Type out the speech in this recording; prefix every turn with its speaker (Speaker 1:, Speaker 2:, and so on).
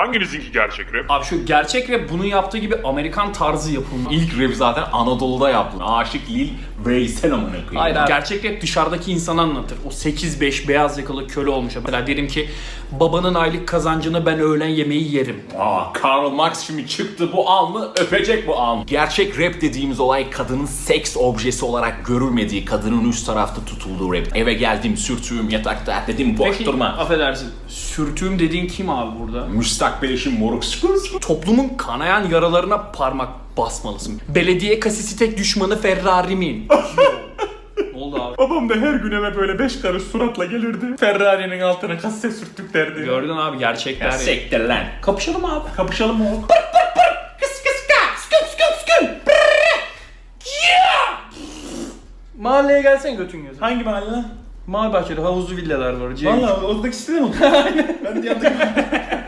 Speaker 1: Hanginizinki gerçek rap?
Speaker 2: Abi şu gerçek rap bunun yaptığı gibi Amerikan tarzı yapılma.
Speaker 3: İlk rap zaten Anadolu'da yapıldı. Aşık Lil Veysel amına koyayım.
Speaker 2: Hayır abi. Gerçek rap dışarıdaki insanı anlatır. O 8-5 beyaz yakalı köle olmuş. Mesela derim ki babanın aylık kazancını ben öğlen yemeği yerim.
Speaker 3: Karl Marx şimdi çıktı bu alnı öpecek bu alnı. Gerçek rap dediğimiz olay kadının seks objesi olarak görülmediği, kadının üst tarafta tutulduğu rap. Eve geldim sürtüğüm yatakta dedim boş
Speaker 2: Peki,
Speaker 3: durma.
Speaker 2: affedersin. Sürtüğüm dediğin kim abi burada?
Speaker 3: Müstakbel eşim moruk sıkıyorsun.
Speaker 2: Toplumun kanayan yaralarına parmak basmalısın. Belediye kasisi tek düşmanı Ferrari'min. Ne oldu abi?
Speaker 3: Babam da her gün eve böyle 5 karış suratla gelirdi. Ferrari'nin altına kasse sürttük derdi.
Speaker 2: Gördün abi gerçekler.
Speaker 3: Ya
Speaker 2: ya.
Speaker 3: sektir lan.
Speaker 2: Kapışalım abi.
Speaker 3: Kapışalım mı oğlum?
Speaker 2: Mahalleye gelsen götün gözü.
Speaker 3: Hangi mahalle lan?
Speaker 2: Mahalle bahçede havuzlu villalar var.
Speaker 3: Valla oradaki sitede mi? Aynen. Ben de yandık.